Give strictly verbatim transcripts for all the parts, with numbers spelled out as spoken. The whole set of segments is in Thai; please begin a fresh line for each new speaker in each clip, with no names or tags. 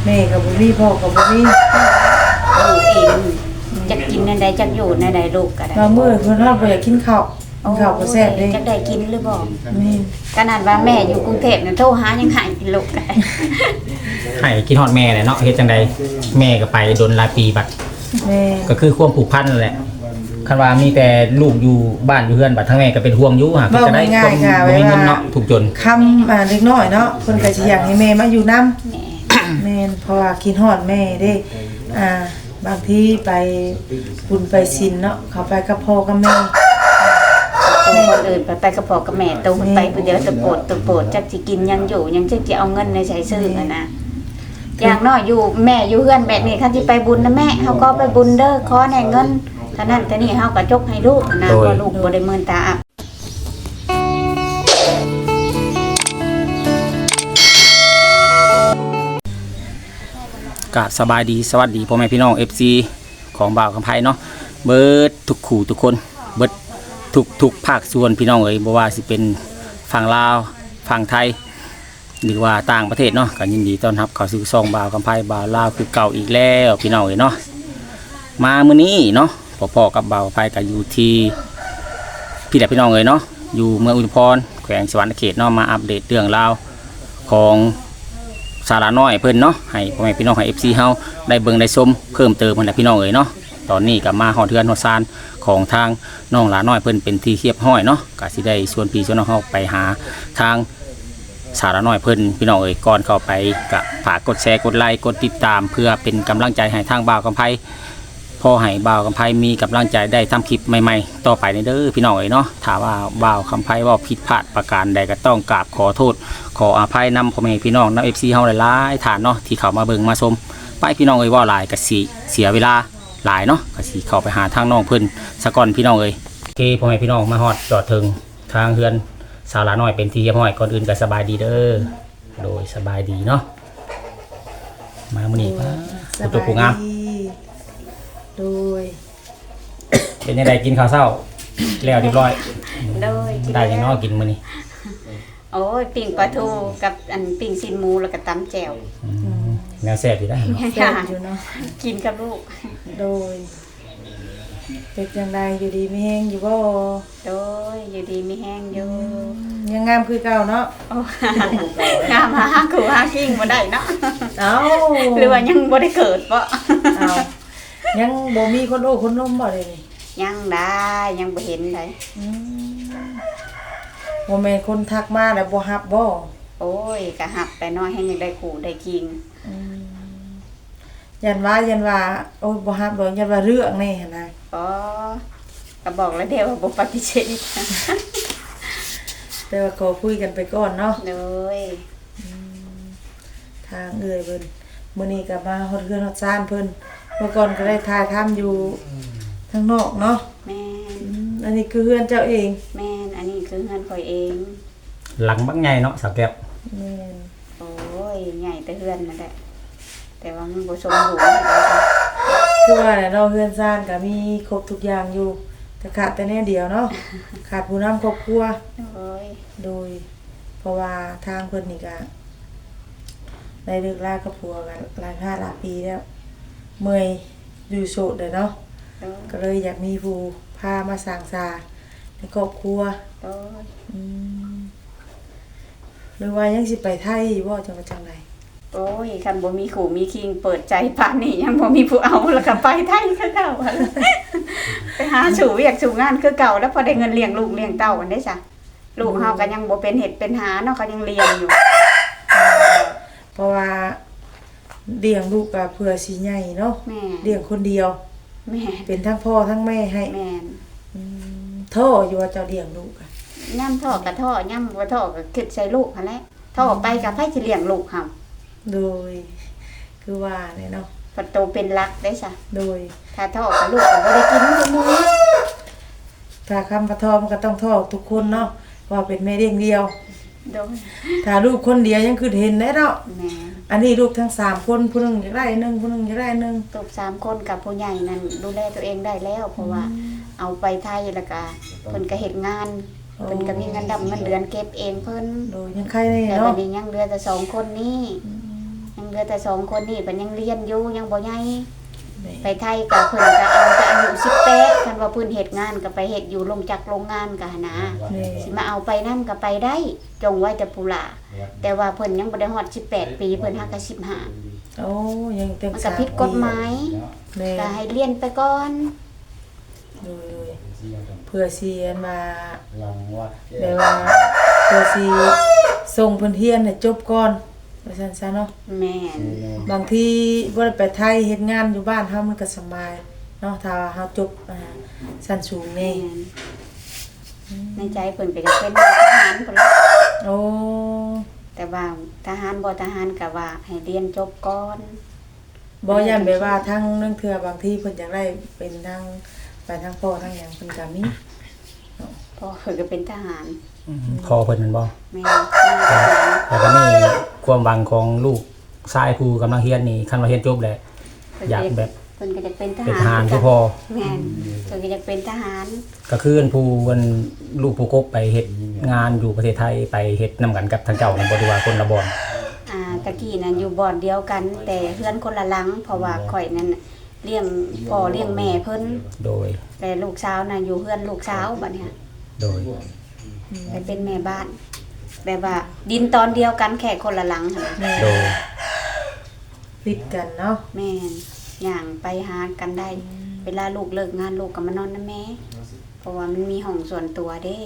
แม่กับบุรีพ่อกับบุรี
ลูกเองจะกินในใดจะอยู่ในใดลูกก็ได้
มาเมื่อเพิ่นเราบ่อยากกินข้าวกินข้าวบ่แซ่บเด้
จะได้กินหรือบ่
แม่
ขนาดว่าแม่อยู่กรุงเทพน่ะโทรหายังหายกินลูกได้
ให้กินฮอดแม่แหละเนาะเฮ็ดจังได๋แม่ก็ไปโดนหลายปีบัด
แม่
ก็คือความผูกพันนั่นแหละคันว่ามีแต่ลูกอยู่บ้านอยู่เฮือนบัดทั้งแม่ก็เป็นห่วงอยู่หาก็จะได้ความบ่มีเงินเนาะถูกจน
คำอ่าเล็กน้อยเนาะเพิ่นก็สิอยากให้แม่มาอยู่นำแม่นเพราะว่ากินฮอดแม่เด้อ่าบางทีไปบุญไปศีลเนาะเขาไปกับพ่อกับแม่
คนอื่นไปไปกับพ่อกับแม่โตไปผู้เดียวตะโปดตะโปดจักสิกินยังอยู่ยังจักสิเอาเงินในใช้ซื้อนะอย่างน้อยอยู่แม่อยู่เฮือนแบบนี้คันสิไปบุญนะแม่เฮาก็ไปบุญเด้อขอแหน่เงินเท่านั้นแต่นี่เฮาก็จกให้ลูกนะเพราะลูกบ่ได้มื่นตาอับ
กะสบายดีสวัสดีพ่อแม่พี่น้อง เอฟ ซี ของบ่าวคำไพเนาะเบิดทุกขู่ทุกคนเบิดทุกทุกภาคส่วนพี่น้องเอ๋ยบ่ว่าสิเป็นฝั่งลาวฝั่งไทยหรือว่าต่างประเทศเนาะก็ยินดีต้อนรับเข้าสู่ช่องบ่าวคำไพบ่าวลาวคือเก่าอีกแล้วพี่น้องเอ๋ยเนาะมามื้อนี้เนาะพ่อๆกับบ่าวคำไพก็อยู่ที่พี่และพี่น้องเอ๋ยเนาะอยู่เมืองอุทุมพรแขวงสวรรณเขตเนาะมาอัปเดตเรื่องราวของสาระน้อยเพิ่นเนาะให้พ่อแม่พี่น้องให้ เอฟ ซี เฮาได้เบิ่งได้ชมเพิ่มเติมมันแหละพี่น้องเอ๋ยเนาะตอนนี้ก็มาฮอดเทือนฮอดซานของทางน้องหลาน้อยเพิ่นเป็นที่เรียบร้อยเนาะก็สิได้ชวนพี่ชวนน้องเฮาไปหาทางสาระน้อยเพิ่นพี่น้องเอ๋ยก่อนเข้าไปก็ฝากกดแชร์กดไลค์กดติดตามเพื่อเป็นกำลังใจให้ทางบ่าวกำไพพอให้บ่าวกำไพมีกำลังใจได้ทำคลิปใหม่ๆต่อไปในเด้อพี่น้องเอ๋ยเนาะถ้าว่าบ่าวกำไพว่าผิดพลาดประการใดก็ต้องกราบขอโทษขออภัยนำพ่อแม่พี่น้องนำ เอฟ ซี เฮาหลายๆฐานเนาะที่เข้ามาเบิ่งมาชมไปพี่น้องเอ๋ยว่าหลายก็สิเสียเวลาหลายเนาะก็สิเข้าไปหาทางน้องเพิ่นซะก่อนพี่น้องเอ๋ยโอเคพ่อแม่พี่น้องมาฮอดจอดถึงทางเฮือนสาวหลาน้อยเป็นที่เรียบร้อยก่อนอื่นก็สบายดีเด้อโดยสบายดีเนาะมามื้อนี้ป้าผู้ตัวผู้งาม
โดย
เป็นยังไงกินข้าวเช้าแล้วเรียบร้อย
โดย
ได้ยังน้อกินมื้อนี้
โอ้ยปิ้งปลาทูกับอันปิ้งซีนหมูแล้วก็ตำแจ่ว
แนวแซ่บอยู่ได้เนาะ
แซ่บอยู่เนาะ
กินกับลูก
โดยเป็นจังไดอยู่ดีมีแฮงอยู่บ่
โดยอยู่ดีมีแฮงอยู่
ยังงามคือเก่าเนาะ
งามหาคู่หาคิงบ่ได้เนาะ
เอ้า
หรือว่ายังบ่ได้เกิดบ่
เอ้ายังบ่มีคนโอ้คนล้มบ่เลยนี่
ยังได้ยังบ่เห็นได้
อืมบ่แม่นคนทักมาแล้วบ่รับบ่
โอ้ยก็รับแต่น้อยให้ยังได้คู่ได้คิง
อืมยันว่ายันว่าโอ้ยบ่รับดอกยันว่าเรื่องนี่หั่นน่ะ
อ๋อก็บอกแล้วเด้ว่าบ่ปฏิเสธ
แต่ว่าขอคุยกันไปก่อนเนาะ
โดย
ทางเอื้อยเพิ่นมื้อนี้ก็มาฮอดเรือนฮอดซ่านเพิ่นเมื่อก่อนก็ได้ถ่ายทำอยู่ทางนอกเนาะ
แม่น
อันนี้คือเฮือนเจ้าเอง
แม่นอันนี้คือเฮือนข่อยเอง
หลังบักใหญ่เนาะสาวแก้ว
แม่น
โอ้ยใหญ่แต่เฮือนนั่นแหละแต่ว่ามันบ่สมบูรณ์
คือว่าเนาะเฮือนซ่านก็มีครบทุกอย่างอยู่แต่ขาดแต่แน่เดียวเนาะขาดผู้นำครอบครัว
โอ้ย
โดยเพราะว่าทางเพิ่นนี่ก็ได้เลิกลากับผัวกันหลายห้าหลายปีแล้วเมื่อยอยู่โสดเลยเนาะก็เลยอยากมีผู้พามาสร้างสาในครอบครัวอืมหรือว่ายังสิไปไทยอยู่บ่จังว่าจังได๋
โอ้ยคันบ่มีขู่มีคิงเปิดใจปานนี้ยังบ่มีผู้เอาแล้วก็ไปไทยคือเก่าไปหาสู่เวียกสู่งานคือเก่าแล้วพอได้เงินเลี้ยงลูกเลี้ยงเต้ากันได้จ้ะลูกเฮาก็ยังบ่เป็นเฮ็ดเป็นหาเนาะก็ยังเรียนอยู่
เพราะว่าเลี้ยงลูกก็เพื่อสิใหญ่เนาะเลี้ยงคนเดียว
แม่
เป็นทั้งพ่อทั้งแม่ให้
แม่น
อืมท่ออยู่ว่าเจ้าเลี้ยงลูกอ่ะ
ย่ำท่อก็ท่อย่ำบ่ท่อก็คิดใส่ลูกหั่นแหละท่อไปก็ไผสิเลี้ยงลูกเฮา
โดยคือว่าเนี่ยเนาะ
พอโตเป็นรักได้จ้ะ
โดย
ถ้าท่อกับลูกก็บ่ได้กินทุกมื้อ
ถ้าคำว่าท่อมันก็ต้องท่อทุกคนเนาะว่าเป็นแม่เลี้ยงเดียว
โดย
ถ้าลูกคนเดียวยังคือเห็นได้เนาะ
แม่
อันนี้ลูกทั้งสามคนผู้นึงอยากได้นึงผู้นึงอยากได้นึง
ลูกสามคนกับผู้ใหญ่นั่นดูแลตัวเองได้แล้วเพราะว่าเอาไปไทยแล้วก็เพิ่นก็เฮ็ดงานเพิ่นก็มีเงินดำเงินเดือนเก็บเองเพิ่น
โดยยังใครนี่
เนาะแต่
วัน
นี้ยังเหลือแต่สองคนนี้ยังลือแต่สองคนนี่เพิ่นยังเรียนอยู่ยังบ่ใหญ่
แม่
ไปไทยก็เพิ่นก็เอาแต่อายุสิบแปดคันว่าเพิ่นเฮ็ดงานก็ไปเฮ็ดอยู่โรงจักรโรงงานก็หันนะ
แม่
สิมาเอาไปนำก็ไปได้จงไว้แต่ผู้หลาแต่ว่าเพิ่นยังบ่ได้ฮอดสิบแปดปีเพิ่นหักก็สิบห้า
โอ้ยังเต็ม
มันก็ผิดกฎหมาย
แม่
ก็ให้เรียนไปก่อน
โดยๆเพื่อสิอันมาแบบว่าเพื่อสิส่งเพิ่นเรียนให้จบก่อนว่าซั่นซะเนาะ
แม่น
บางทีบ่ได้ไปไทยเฮ็ดงานอยู่บ้านเฮามันก็สบายเนาะถ้าว่าเฮาจบอ่าชั้นสูง
แม่
นี่
นในใจเพิ่นก็จะเป็นทหารพุ่นล่ะ
โอ้
แต่ว่าทหารบ่ทหารก็ว่าให้เรียนจบก่อน
บ่ย่านแบบว่าทางเรื่องเทื่อบางทีเพิ่นอยากได้เป็นทางไปทางพ่อทางหยังเพิ่นก็มี
เพราะเพิ่นก็เป็นทหาร
พอเพิ่นแม่นบ่
แม่นทหาร
แล้วก็มีความหวังของลูกชายผู้กำลังเรียนนี่คันว่าเรียนจบแล้วอยากแบบ
เพิ่นก็จะเป็นท
เป็น
หาร
ทหารคือพอ
แม่นเพิ่นก็จะเป็นทหาร
ก็คือผู้เพิ่นลูกผู้กบไปเฮ็ดงานอยู่ประเทศไทยไปเฮ็ดนํกันกับทางเจ้านี่บ่ได้ว่าคนละบ่อน
อ่าตะกี้น่ะอยู่บ่อนเดียวกัน แต่เฮือนคนละหลัง เพราะว่าข่อยนั้นน่ะเลี้ยงพ่อเลี้ยงแม่เพิ่น
โดย
แต่ลูกสาวน่ะอยู่เฮือนลูกสาวบัดเนี้ย
โดย
ไปเป็นแม่บ้าน แบบว่าดินตอนเดียวกันแค่คนละหลังหั่น
แม่
โดย
ติดกันเนาะ
แม่นย่างไปหากันได้ เวลาลูกเลิกงานลูกก็มานอนนำแม่ เพราะว่ามันมีห้องส่วนตัวเด้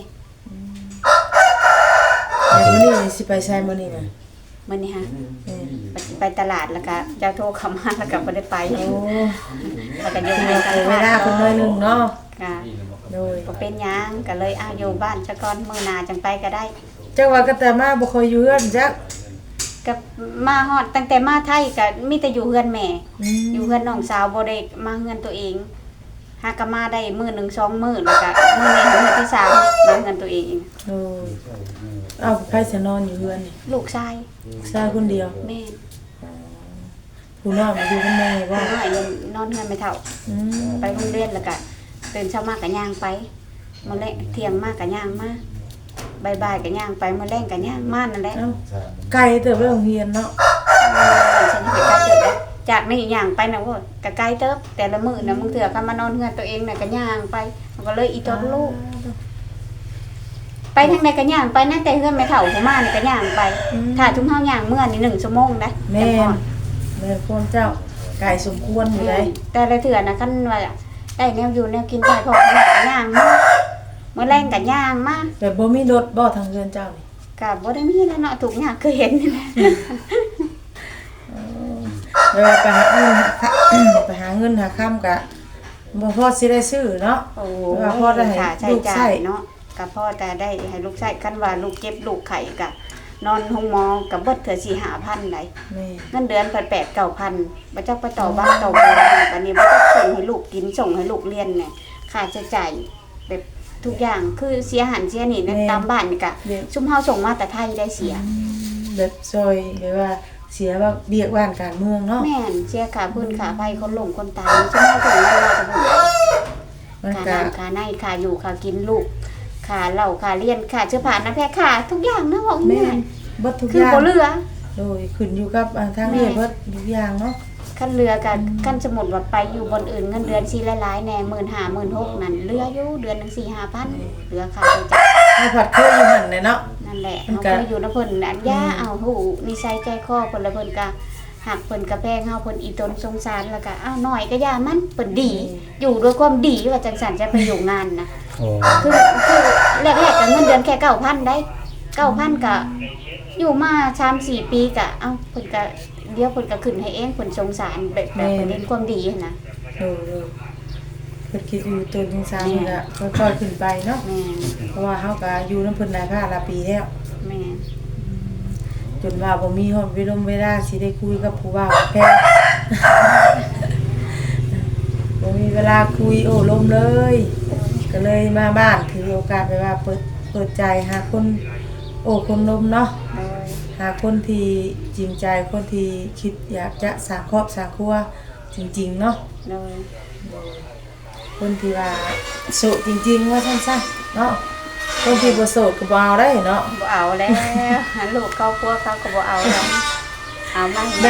แล้วมื้อนี้สิไปใช้มื้อนี้น่ะ
มื้อนี้ฮะ
แม่
ไปไปตลาดแล้วก็เจ้าโทรเข้ามาแล้วก็บ่ได้ไป
โอ้
แล้วก็ยก
เว
ให้กัน
ลาเพิ่นน้อยหนึงเนาะ
ค่ะ
โดย
บ่เป็นหยังก็เลยอ้าวอยู่บ้านซะก่อนมื้อหน้าจังไปก็ได้
จักว่าก็แต่มาบ่ค่อยอยู่เฮือนจัก
ก็มาฮอดตั้งแต่มาไทยก็มีแต่อยู่เฮือนแม่
อืม
อยู่เฮือนน้องสาวบ่ได้มาเฮือนตัวเองหากก็มาได้มื้อหนึ่งสองมื้อแล้วก็มื้อนี้มื้อที่สามมาเฮือนตัวเอง
โอ้ยเอ้าไผสินอนอยู่เฮือนนี่
ลูกชาย
ชายคนเดียว
แม่
ผู้น้อยมาอยู่กับแม่บ่
น้อยยังนอนเฮือนไม่เท่า
อืม
ไปโรงเรียนแล้วก็ตื่นเช้ามาก็ย่างไปมื้อแลงเที่ยงมาก็ย่างมาบ่ายๆก็ย่างไปมื้อแลงก็ย่างมานั่นแหละ
เอ้าไกลเติบไปโรงเรียนเนาะ
ฉันไปไกลเติบแล้วจากนี่ย่างไปนะว่าก็ไกลเติบแต่ละมื้อน่ะมึงเถื่อก็มานอนเฮือนตัวเองน่ะก็ย่างไปมันก็เลยอีตนลูก ไปทางใดก็ย่างไปนะแต่เฮือนไม่เฒ่าผู้มานี่ก็ย่างไป ถ้าทุกเฮาย่างเมื่อนี่หนึ่งชั่วโมงนะ
แม่
จังฮอด
แม่พวกเจ้าไก่สมควรอยู่ได้
แต่ละเถื่อนะคันว่าได้แนวอยู่แนวกินไปพอขนาดก็ย่างมาเมื่อแรงก็ย่างมา
แต่บ่มีรถบ่ทางเรือนเจ้านี่
ก็บ่ได้มีแล้วเนาะทุกอย่างคือเห็นนี่แหละ
เวลาไปหาเงินไปหาเงินหาค่ำกะบ่พอสิได้ซื้อเนาะ
โอ้
ว่าพ่อได้ให้
ค่าใช้
ลูก
จ่า
ใช้
ยเนาะก็พ่อแต่ได้ให้ลูกใช้คันว่าลูกเจ็บลูกไข้ก็นอนห้องหมอก็เบิดเถื่อสี่ห้าพันได้
แม่
เงินเดือนแปด เก้าพันบ่จักไปต่อบ้านต่อบ่บัดนี้บ่จักส่งให้ลูกกินส่งให้ลูกเรียนเนี่ยค่าใช้จ่ายแบบทุกอย่างคือเสียหันเสียนี่ในตามบ้านนี่ก็
เด็ก
ซุมเฮาส่งมาแต่ไทยได้เสีย
แบบซอยแบบว่าเสียว่าเบียกบ้านการเมืองเนาะ
แม่นเสียค่าพื้นค่าไฟคนหลงคนตายซุมเฮาส่งมาแต่พุ่น
มัน
ค่า
ก็
น้ำค่าในค่าอยู่ค่ากินลูกค่าเหล้าค่าเรียนค่าเสื้อผ้าน้ำแพรค่าทุกอย่างนะบอก
แม่
ง่าย
เบิดทุก
ๆ
อ
คือย่าง บ่เหลือ
โดยขึ้นอยู่กับอ่าทางเรียนเบิดทุกอย่างเนาะ
คันเรือกับคันสมุดว่าไปอยู่บนอื่นเงินเดือนสิหลายๆแน่หมื่นห้าหมื่นหกนั่นเรืออยู่เดือนหนึงสี่ห้าพันเรือค่าใช้จ่าย
ถ้าผัดเคยอยู่หั่นเลยเนาะ
นั่นแหละ
มัน
เฮา
ก็
ก็อยู่นำเพิ่นอันย่าเอาหูนิสัยใจคอเพิ่นละเพิ่นก็หักเพิ่นก็แพงเฮาเพิ่นอีตนสงสารแล้วก็อ้าวน้อยก็ย่ามันเพิ่นดี อยู่ด้วยความดีว่าจังซั่นจะไปอยู่งานนะ
โอ้
คือคือแรกๆก็เงินเดือนแค่เก้าพันได้เก้าพันก็อยู่มาสามสี่ปีก็เอ้าเพิ่นก็เดี๋ยวเพิ่นก็ขึ้นให้เองเพิ่นสงสารแบบแบบเพิ่นเห็นความดีหันนะ
โดยโดยเพิ่นคิดอยู่ตัวจริงจังก็ค่อยๆขึ้นไปเนาะ
แม่น
เพราะว่าเฮาก็อยู่นำเพิ่นหลายภาคหลายปีแล้ว
แม่น
จนว่าบ่มีฮอดเวลาเวลาสิได้คุยกับผู้ว่าแพ้ บ่มีเวลาคุยโอ้ลมเลย ก็เลยมาบ้านถือโอกาสไปว่าเปิดเปิดใจหาคนโอ้คนลมเนาะ
โดย
หาคนที่จริงใจคนที่คิดอยากจะสร้างครอบสร้างครัวจริงๆเนาะ
โดย
คนที่ว่าโสดจริงๆว่าสั้นๆเนาะคนที่บ่โสดก็บ่เอาได้เนาะ
บ่เอาแล้ว หาลูกครอบครัวเขาก็บ่เอาแล้วเอามาให้
แบบ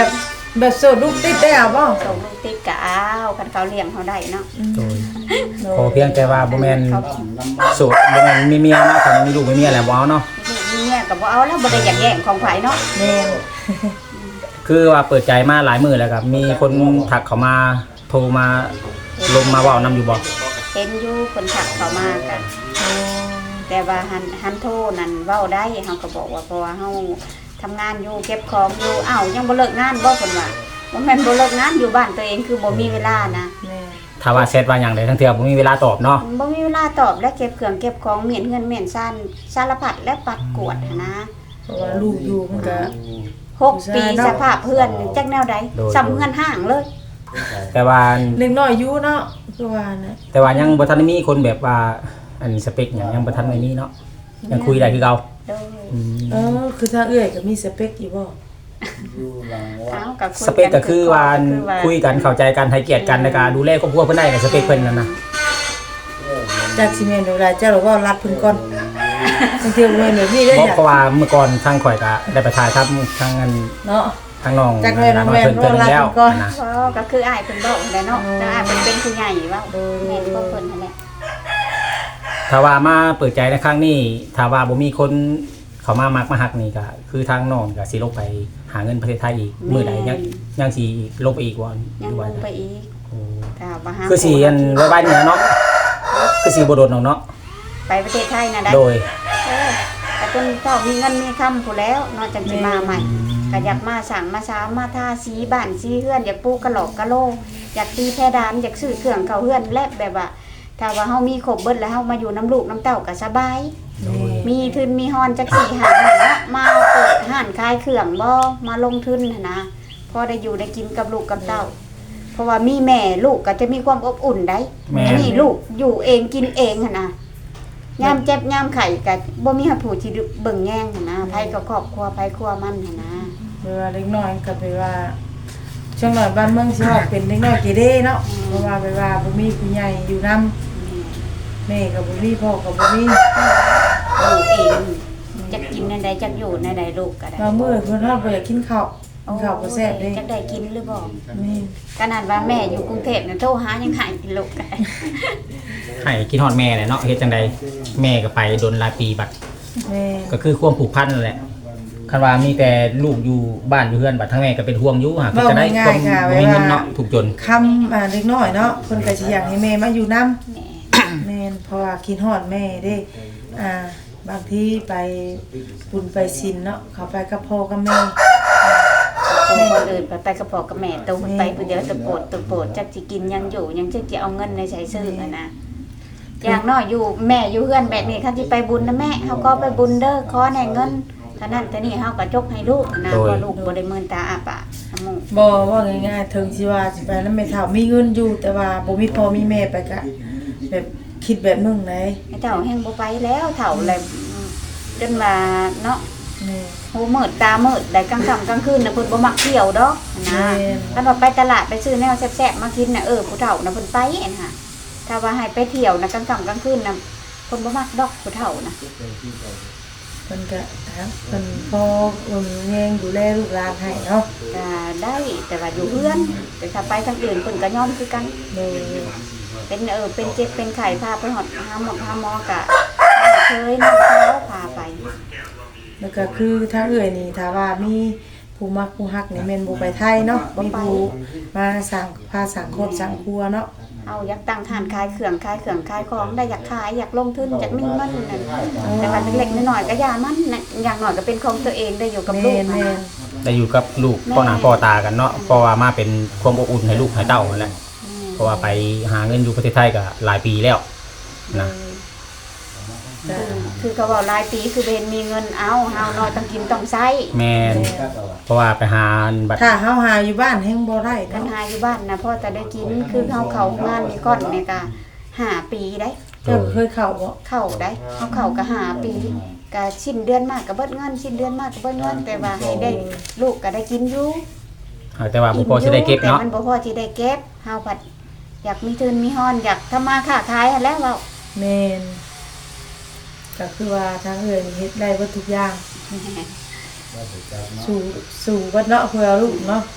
แบบโสดลูกติดได้เอาบ่
ส่งลูกติดก็เอาคันเขาเลี้ยงเขาได้เนาะ
โดยขอเพียงแต่ว่าบ่แม่นโสดบ่แม่นมีเมียเนาะคันมีลูกมีเมียแล้วบ่เอาเนาะ
มีลูกมีเมียก็บ่เอาแล้วบ่ได้อยากแย่งของไผเนาะ
แม่น
คือว่าเปิดใจมาหลายมื้อแล้วครับมีคนทักเข้ามาโทรมาลงมาเว้านำอยู่บ่
เห็นอยู่คนถักเขามากัน
โอ้
แต่ว่าหันหันโทรนั่นเว้าได้เฮาก็บอกว่าเพราะว่าเฮาทำงานอยู่เก็บของอยู่อ้าวยังบ่เลิกงานบ่เพิ่นว่าบ่แม่นบ่เลิกงานอยู่บ้านตัวเองคือบ่มีเวลานะ
แม่
ถ้าว่าแชทว่าหยังใดทั้งเทื่อบ่มีเวลาตอบเนาะ
บ่มีเวลาตอบและเก็บเครื่องเก็บของเมียนเฮือนเมียนซ่านสารพัดและปัดกวดหั้นนะ
เพราะว่าลูกอยู่มันก็
หกปีสภาพเพื่อนจักแนวใดซ้ำเฮือนห้างเลย
แต่ว่า
เล็กน้อยอยู่เนาะคือว่านะ
แต่ว่ายังบ่ทันได้มีคนแบบว่าอันสเปคหยังยังบ่ทันได้มีเนาะยังคุยได้คือเก่า
โดย
อืม
เออคือถ้าเอื้อยก็มีสเปคอยู่บ่
เอากับคุย
สเปคก็คือว่าคุยกันเข้าใจกันให้เกียรติกันในการดูแลครอบครัวเพิ่นได้ก็สเปคเพิ่นนั่นน่ะ
จากสิแม่นเวลาเจ้าเราก็รัดเพิ่นก่อนบางทีแม่นแบบนี้ได้
บอก
จ้ะ
เพราะว่าเมื่อก่อนทางข่อยก็ได้ไปถ่ายทำทางอัน
เนาะ
ทางน้อง
จากแม่น้องแม่
เพิ่นเพิ่นแล้ว
เรารักเพิ่นก่อน
นะ
เพราะก็คืออ้ายเพิ่นบอกแหละเนาะแต่อ้ายเพิ่นเป็นผู้ใหญ่ว่า
โดย
แม่นบ่เพิ่นนั่นแหละ
ถ้าว่ามาเปิดใจในครั้งนี้ถ้าว่าบ่มีคนเขามามักมาฮักนี่ก็คือทางน้องก็สิลงไปหาเงินประเทศไทยอีกมื้อใดยังยังสิลงไปอีกบ่
ยังลงไปอีก
โอ้
ถ้าบ่หา
คือสิอันไว้บ้านนี่เนาะคือสิบ่โดดน้องเนาะ
ไปประเทศไทยน่ะได้
โดย
เออแต่เพิ่นเจ้ามีเงินมีคำผู้แล้วเนาะจังสิมาใหม่ก็อยากมาสั่งมาสามมาทาสีบ้านสีเฮือนอยากปลูกกะโหลกกะโลอยากตีเพดานอยากซื้อเครื่องเข้าเฮือนและแบบว่าถ้าว่าเฮามีครบเบิดแล้วเฮามาอยู่น้ำลูกน้ำเต้าก็สบาย มีทุนมีฮอนจักสี่หาหนนะมาเปิดห้านขายเครื่องบ่มาลงทุนหั้นนะพอได้อยู่ได้กินกับลูกกับเต้า เพราะว่ามีแม่ลูกก็จะมีความอบอุ่นได้
แม่
อันนี้ลูกอยู่เองกินเองหั้นนะยามเจ็บยามไข้ก็บ่มีผู้ที่เบิ่งแย่งหั้นนะไผก็ครอบครัวไผครัวมันหั้นนะ
เวลาเล็กน้อยก็ไปว่าช่วงหน่อยบ้านเมืองสิฮอดเป็นเล็กน้อยเกเรเนาะเพราะว่าไปว่าบ่มีผู้ใหญ่อยู่นำแม่ก็บ่มีพ่อก็บ่มี
ลูกเองจักกินในใดจักอยู่ในใดลูกก็ได้
บางมื้อเพิ่นฮอดบ่อยากกินข้าวกินข้าวบ่แซ่บเด้
จักได้กินหรือบ่
แม่
ขนาดว่าแม่อยู่กรุงเทพน่ะโทรหายังหายกินลูกก็ได้
ให้คิดฮอดแม่แหละเนาะเฮ็ดจังใดแม่ก็ไปโดนหลายปีบัด
แม่
ก็คือความผูกพันนั่นแหละคันว่ามีแต่ลูกอยู่บ้านอยู่เฮือนบัดทั้งแม่ก็เป็นห่วงอยู่หาก็จะได้ความบ่มีเงินเนาะถูกจน
คำอ่าเล็กน้อยเนาะเพิ่นก็สิอยากให้แม่มาอยู่นำ
แม่
แม่นเพราะว่าคิดฮอดแม่เด้อ่าบางทีไปบุญไปศีลเนาะเขาไปกับพ่อกับแม่
แม่คนอื่นไปไปกับพ่อกับแม่ตัวไปผู้เดียวตัวโปรดตัวโปรดจักสิกินยังอยู่ยังจักสิเอาเงินในใช้ซื้ออะนะอย่างน้อยอยู่แม่อยู่เฮือนแบบนี้คันสิไปบุญนะแม่เฮาก็ไปบุญเด้อขอแหน่เงินเท่านั้นแต่นี่เฮาก็จกให้ลูกนะเพราะลูกบ่ได้มื่นตาอาปากน้ำมูก
บ่ว่าง่ายๆถึงสิว่าสิไปแล้วแม่เฒ่ามีเงินอยู่แต่ว่าบ่มีพ่อมีแม่ไปก็แบบคิดแบบนึงไหน
ไอ้เจ้าแฮงบ่ไปแล้วเฒ่าเลยจนว่าเนาะ
แม่
หูมืดตามืดได้กลางค่ำกลางคืนน่ะเพิ่นบ่มักเที่ยวดอกนะคันว่าไปตลาดไปซื้อแนวแซ่บๆมากินน่ะเออผู้เฒ่าน่ะเพิ่นไปน่ะถ้าว่าให้ไปเที่ยวน่ะกลางค่ำกลางคืนน่ะเพิ่นบ่มักดอกผู้เฒ่าน่ะ
เพิ่นก็ฮะเพิ่นพ่อเอิ่มแยงดูแลลูกหลานให้เนาะ
ก็ได้แต่ว่าอยู่เฮือน แต่ถ้าไปทางอื่นเพิ่นก็ยอมคือกัน
โดย
เป็นเออเป็นเจ็บเป็นไข้พาไปหอดหาหมอหาหมอกะเคยน้องเขาพาไป
แล้วก็คือถ้าเอ่ยนี่ถ้าว่ามีผู้มักผู้ฮักนี่แม่นบ่ไปไทยเนาะมีผู้มาสร้างพาสังคมสังครัวเนาะ
เอาอยากตั้งทานขายเครื่องขายเครื่องขายของได้อยากขายอยากลงทุนอยากมีเงินนั่นแต่ว่าเล็กๆน้อยๆก็อย่ามันน่ะอย่างน้อยก็เป็นของตัวเองได้อยู่กับลูก
แม่น
นะ
แม่น
ได้อยู่กับลูกพ่อหน้าพ่อตากันเนาะเพราะว่ามาเป็นความอบอุ่นให้ลูกให้เต้านั่นแหละเพราะว่าไปหาเงินอยู่ประเทศไทยก็หลายปีแล้วนะ
คือคือเขาบอกรายปีคือเบนมีเงินเอาเฮาน้อยต้องกินต้องใช้
แม่นเพราะว่าไปหาบัตร
ถ้าเฮาหาอยู่บ้านแฮงบ่ได้
กัน
เนาะ
หาอยู่บ้านนะพ่อแต่ได้กินคือเฮาเข้างานนี่ก่อนนี่ก็ห้าปีได้
เจ้าเคยเข้าบ่
เข้าได้เขาเข้าก็หาปีก็ชิ้นเดือนมากก็เบิดเงินชิ้นเดือนมากก็เบิดเงินแต่ว่าให้ได้ลูกก็ได้กินอยู่
แต่ว่าบ่พอสิได้เก็บเนาะ
แต่มันบ่พอสิได้เก็บเฮาผัดอยากมีทุนมีฮอนอยากทำมาค้าขายหั้นแหล้วเว้า
แม่นก็คือว่าทางเอ่ยนี่เฮ็ดได้เบิดทุกอย่างสู่สู่เบิดเนาะเพื่อลูกเนาะ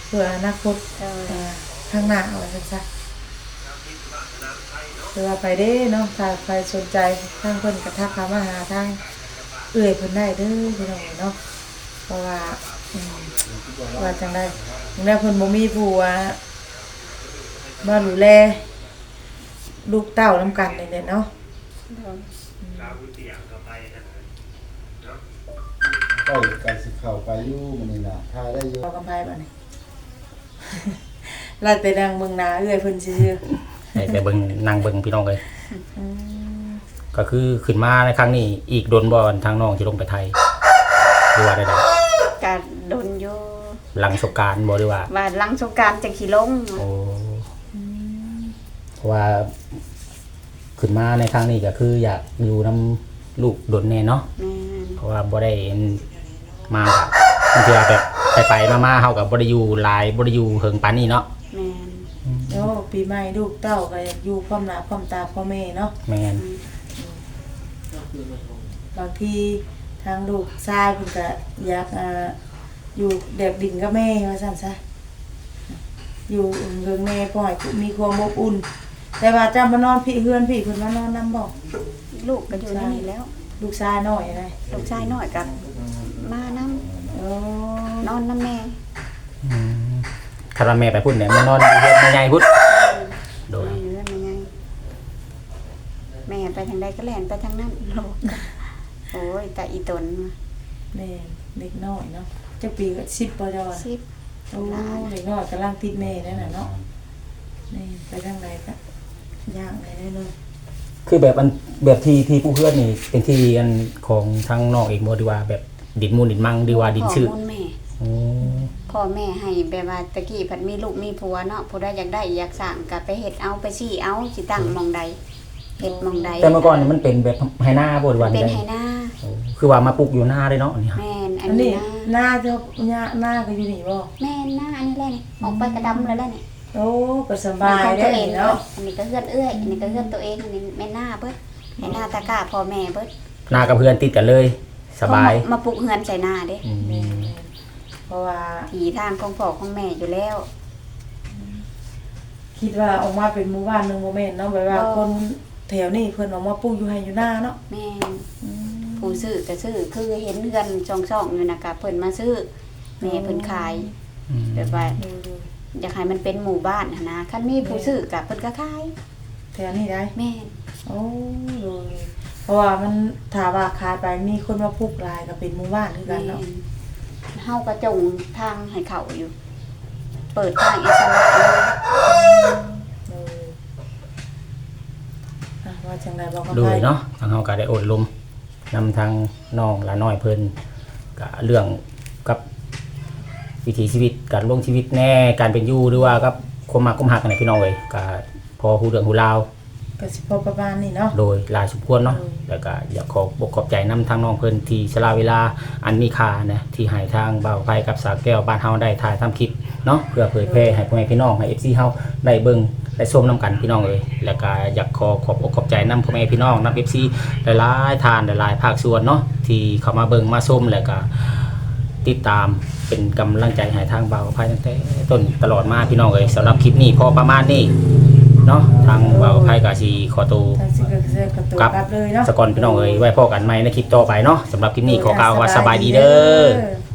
เพื่ออนาคต
โดย
อ่าข้างหน้าว่าซั่นซะคือว่าไปเด้เนาะถ้าใครสนใจทางเพิ่นก็ทักเข้ามาหาทางเอื้อยเพิ่นได้เด้อพี่น้องเนาะเพราะว่าอืมว่าจังได๋จังได๋เพิ่นบ่มีผู้ว่ามาดูแลลูกเต้านำกันนี่แหละเนาะ
โดย
ก็ไก่สิเข้าไปอยู่มันนี่น่ะทายได้อยู่
เอากำไผบัดนี้ ลาแต่นางเมืองนาเอื้อยเพิ่นซื่อ
ให้ไปเบิ่งนั่งเบิ่งพี่น้องเลย
ๆอืม
ก็คือขึ้นมาในครั้งนี้อีกโดนบ่อนทางน้องสิลงไปไทยหรือว่าได้
การโดนอยู่
ๆหลังสงกรานต์บ่หรือว่า
ว่าหลังสงกรานต์จังสิลง
โอ้เพราะว่าขึ้นมาในครั้งนี้ก็คืออยากอยู่นํลูกโดนแน่เนาะ
แม่น
เพราะว่าบ่ได้มาแบบบางทีแบบไปๆมาๆเฮาก็บ่ได้อยู่หลายบ่ได้อยู่เฮิงปานนี้เนาะ
แม่น
โอ้ปีใหม่ลูกเต้าก็อยากอยู่พร้อมหน้าพร้อมตาพ่อแม่เนาะ
แม่น
บางทีทางลูกชายเพิ่นก็อยากอ่าอยู่แดกดินกับแม่ว่าซั่นซะอยู่เฮิงแม่พ่อให้มีความอบอุ่น แต่ว่าจำมานอนพี่เฮือนพี่เพิ่นมานอนนำบ่
ลูกก็อยู่ในนี่แล้ว
ลูกชายน้อยอะไร
ลูกชายน้อยก็มานํ
โอ้
นอนนำแม่
อืมถ้าว่าแม่ไปพุ่นเนี่ยมานอนอยู่เฮ็ดแม่ใหญ่พุ่นโดย
แม่อยู่นั่นแม่ไงแม่ไปทางใดก็แล่นไปทางนั้นลูกโอ้ยแต่อีตน
แม่เด็กน้อยเนาะจักปีก็สิบบ่จ้ะว่า
สิบ
โอ้เด็กน้อยกำลังติดแม่นั่นน่ะเนาะนี่ไปทางใดก็ย่างได้เลย
คือแบบอันแบบที่ที่ผู้เพื่อนนี่เป็นที่อันของทางน้องเองบ่ดีว่าแบบดินมูลดินมังดีว่าดินชื่อ
ข้อมูลแม่
โอ้
พ่อแม่ให้แบบว่าตะกี้ผัดมีลูกมีผัวเนาะผู้ใดอยากได้อยากสั่งก็ไปเฮ็ดเอาไปซี่เอาสิตั้งหมองใดเฮ็ดหมองใด
แต่เมื่อก่อนนี่มันเป็นแบบไหหน้าบ่ดีว่า
เป็น
ได้
ไหหน้า
โอ้คือว่ามาปลูกอยู่หน้าเลยเนาะอันนี้ครับ
แม่นอั
อั
น
น
นี้
นี้
นะ
หน้าเจ้าหน้าหน้าก็อยู่นี่บ่
แม่นหน้าอันนี้แหละนี่ออกไปกระดำแล้วแหละนี่
โอ้ก็สบาย
ของ
ได้
ตัวเอง
เนาะ
อันนี้ก็เฮือนเอื้อยอันนี้ก็เฮือนตัวเองอันนี้แม่หน้าเบิดให้หน้าตะกร้าพ่อแม่เบิด
หน้ากับเพื่อนติดกันเลย สบาย
เขมามาปลูกเฮือนใส่หน้าเด้
อืม
เพราะว่า
ทีทางของพ่อของแม่อยู่แล้ว
คิดว่าออกมาเป็นหมู่บ้านหนึงบ่แม่นเนาะแบบว่าคนแถวนี้เพิ่นออกมาปลูกอยู่ให้อยู่หน้าเนาะ
แม่นผู้ซื้อก็ซื้อคือเห็นเฮือนช่องๆอยู่นะก็เพิ่นมาซื้อแม่เพิ่นขาย
อืม
แบบว่า
ดูดู
อยากให้มันเป็นหมู่บ้านหั้นนะคันมีผู้ซื้อกับเพิ่นก็ขาย
แถวนี้ได้
แม่น
โอ้ดูเพราะว่ามันถ้าว่าขายไปมีคนมาปลูกหลายก็เป็นหมู่บ้านคือกั
แม่
นเนาะ
นเฮาก็จงทางให้เขาอยู่ เปิดทางอิสระเลย
เอออ่ะว่าจังไดบอกกัน
โด
ไป
ยเนาะทางเฮาก็ได้อดลมนำทางน้องหลาน้อยเพิ่นก็เรื่องกับวิถีชีวิตการลงชีวิตแน่การเป็นอยู่หรือว่ากับความมักความหักกันในพี่น้องเอ้ยก็พอฮู้เรื่องฮู้ราว
ก็สิพอประมาณนี้เนาะ
โดยหลายสมควรเนาะ
อืม
แล้วก็อยากขอบอกขอบใจนำทางน้องเพิ่นที่สละเวลาอันมีค่านะที่ให้ทางบ่าวไผกับสาวแก้วบ้านเฮาได้ถ่ายทำคลิปเนาะเพื่อเผยแพร่ให้พ่อแม่พี่น้องให้ เอฟ ซี เฮาได้เบิ่งได้ชมนํกันพี่น้องเอ้ยแล้วก็อยากขอขอบอกขอบใจนำพ่อแม่พี่น้องนำ เอฟ ซี หลายๆทานหลายๆภาคส่วนเนาะที่เข้ามาเบิ่งมาชมแล้วก็ติดตามเป็นกำลังใจให้ทางบ่าวไผตั้งแต่ต้นตลอดมาพี่น้องเอ้ยสำหรับคลิปนี้พอประมาณนี้เนาะทางบ่าวไผก็สิขอตัว
ทางสิก็สิกระตุก
ครับ
กลับเลยเนาะ
สกอนพี่น้องเอ้ยไว้พอกันใหม่ในคลิปต่อไปเนาะสำหรับคลิปนี้ขอกล่าวว่าสบายดีเด้อ